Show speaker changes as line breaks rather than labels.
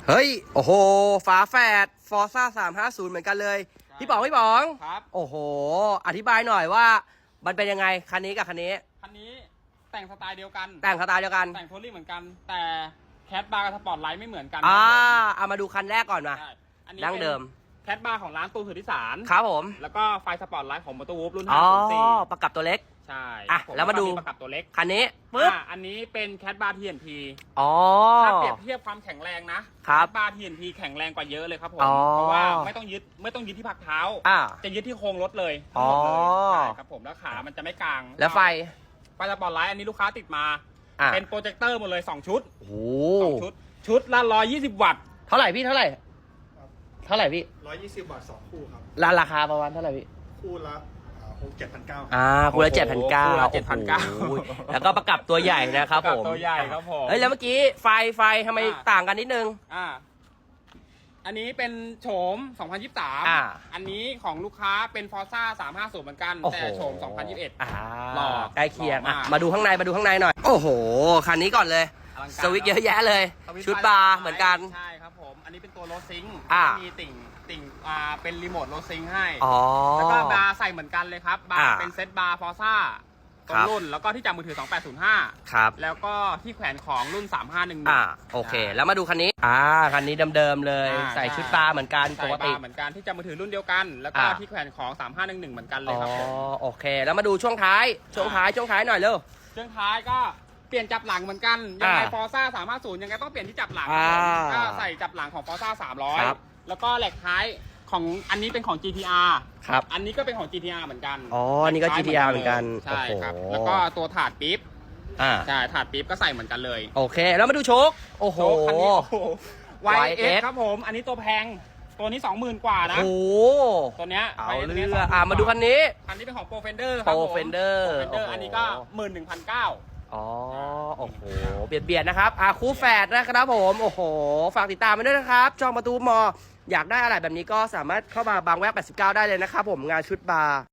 เฮ้ยโอ้โหฝาแฝดฟอร์ซ่า350เหมือนกันเลยพี่ป๋อง
ครับ
โอ้โหอธิบายหน่อยว่ามันเป็นยังไงคันนี้กับคันนี้
แต่งสไตล์เดียวกัน
แต่งสไตล์เดียวกัน
แต่งโทลี่เหมือนกันแต่แคทบาร์กับสปอร์ตไลท์ไม่เหมือนกัน
เอามาดูคันแรกก่อนมาดั้งเดิม
แคทบาร์ของร้านตูนสุทธิสาร
ครับผม
แล้วก็ไฟสปอร์ตไลท์ของมอเตอร์วูฟรุ่น
504ประกับตัวเล็ก
ใช่
แล้วมาดู
ประกับตัวเล็ก
คันนี้ปึ๊บ
อันนี้เป็นแคทบาร์ TNT ถ้าเปรียบเทียบความแข็งแรงนะแคทบาร์ TNT แข็งแรงกว่าเยอะเลยครับผมเพราะว่าไม่ต้องยึดที่พักเท้าจะยึดที่โครงรถเลยทั้งหมดเลยใช่ครับผมแล้วขามันจะไม่กลาง
แล้วไฟ
สปอร์ตไลท์อันนี้ลูกค้าติดมาเป็นโปรเจคเตอร์หมดเลย2ชุดชุดละ120 วัตต์
เท่าไหร่พี่เท่าไหร่พี่
120 วัตต์2คู่ครับ
ราคาประมาณเท่าไหร่พี่
คู่ละ7,900
คู่ละ7,900แล้วก็ประกับตัวใหญ่นะครับผม
ตัวใหญ่ครับผม
แล้วเมื่อกี้ไฟทำไมต่างกันนิดนึง
อันนี้เป็นโฉม2023อันนี้ของลูกค้าเป็นฟอร์ซ่า350เหมือนกันแต่โฉม2021
หล่อใกล้เคียงมาดูข้างในหน่อยโอ้โหคันนี้ก่อนเลยสวิตช์เยอะแยะเลยชุดบาร์เหมือนกัน
ใช่ครับผมอันนี้เป็นตัวโรซิงมีติ่งเป็นรีโมทโรซิงให้แล้วก็บาร์ใส่เหมือนกันเลยครับบาร์เป็นเซตบาร์ฟอร์ซ่าต้นรุ่นแล้วก็ที่จับมือถือ2805
ครับ
แล้วก็ที่แขวนของรุ่น3511
โอเคแล้วมาดูคันนี้คันนี้เดิมๆเลยใส่ชุดบาร์เหมือนกันปกติ
เหมือนกันที่จับมือถือรุ่นเดียวกันแล้วก็ที่แขวนของ3511เหมือนกันเลยครับ
โอเคแล้วมาดูช่วงท้ายหน่อยเร็ว
ช่วงท้ายก็เปลี่ยนจับหลังเหมือนกันยังไงฟอร์ซ่า350ยังไงต้องเปลี่ยนที่จับหลังก็ใส่จับหลังของฟอร์ซ่า300แล้วก็แหลกท้ายของอันนี้เป็นของ GTR
ครับ
อันนี้ก็เป็นของ GTR เหมือนกัน
อันนี้ก็ GTR เหมือนกัน
ใช่ครับแล้วก็ตัวถาดปิ๊บใช่ถาดปิ๊บก็ใส่เหมือนกันเลย
โอเคแล้วมาดูโชคโอ้โห
คันนี้YX ครับผมอันนี้ตัวแพงตัวนี้ 20,000 กว่านะตัวเนี้ย
เอาเรื่องมาดูคันนี้
เป็นของ Pro Fender ครับผม
Fender
อันนี้ก็11,900
โอ้โหเบียดนะครับคู่แฝดนะครับผมโอ้โหฝากติดตามไปด้วยนะครับจองประตูมออยากได้อะไรแบบนี้ก็สามารถเข้ามาบางแวก89ได้เลยนะครับผมงานชุดบาร์